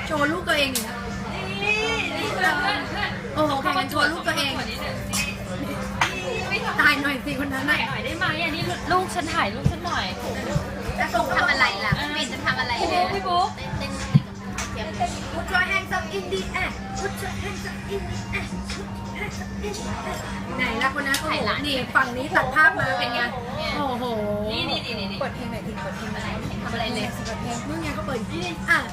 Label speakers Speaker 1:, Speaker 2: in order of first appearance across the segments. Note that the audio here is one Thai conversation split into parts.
Speaker 1: โชว์ลูกตัวเองอยู่นะโอ้โหแข่งกันโชว์ลูกตัวเองตายหน่อยสิคนนั้นหน่อยได้ไหมอันนี้ลูกฉันถ่ายลูกฉันหน่อย
Speaker 2: จะส่งทำอะไรล่ะปิ่นจะทำอะไรเนี่ย
Speaker 1: พี่บุ๊ก
Speaker 2: เต้นPut your hands up in the air Put your hands up in the air
Speaker 1: ไหนล่ะคนนั้นโอ้โหนี่ฝั่งนี้ตัดภาพมาเป็นไงโอ้โห
Speaker 2: นี่
Speaker 1: เปิดเพลงไหนทีเปิดเพลงอะไร
Speaker 2: ทำอะไรเลย
Speaker 1: เปิดเพลงนู่นไงก็เปิดอ่ะ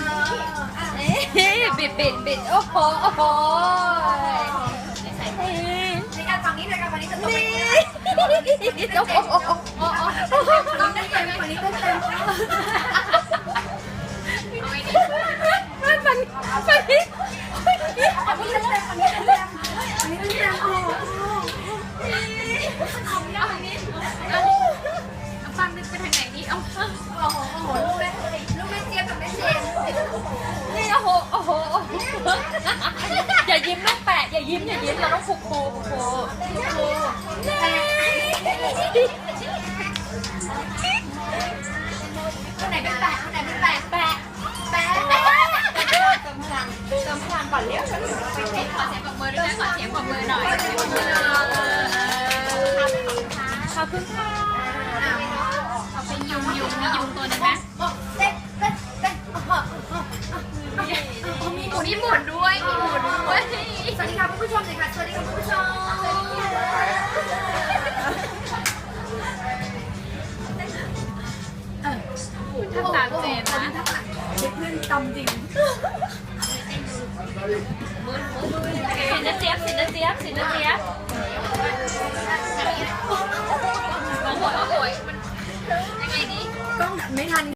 Speaker 2: บิดโอ้โหในการฝั่งนี้ฝั่งนี้จะตกไป
Speaker 1: โอ้โหฝั่งนี้เต็มฝั่งนี้เต็มฝั่งนี้
Speaker 2: ฟังนึกไปทางไหนนี่โอ้โหลูกแม่เจี๊ยบกับแม่เจน
Speaker 1: นี่โอ้โหอย่ายิ้มลูกแปะอย่ายิ้มเราต้องฟู
Speaker 2: คนไหนเป็นแปะเติมพลังก่อนเร็วขอเสียงปรบมือด้วยขอเสียงปรบมือหน่อย
Speaker 1: ขอบคุณค่ะ
Speaker 2: เอาเป็นยุงมียุงตัวนึงนะเต้นมีหมุนที่หมุนด้วยสวัสดีค่ะคุณผู้ชมเลยค่ะสวัสดีค่ะคุณผู้ชม
Speaker 1: ทำตามเจนนะเพื่อนตำจริง
Speaker 2: สินเจี๊ยบโอ้โหมันยังไงดี
Speaker 1: กล้องไม่ทัน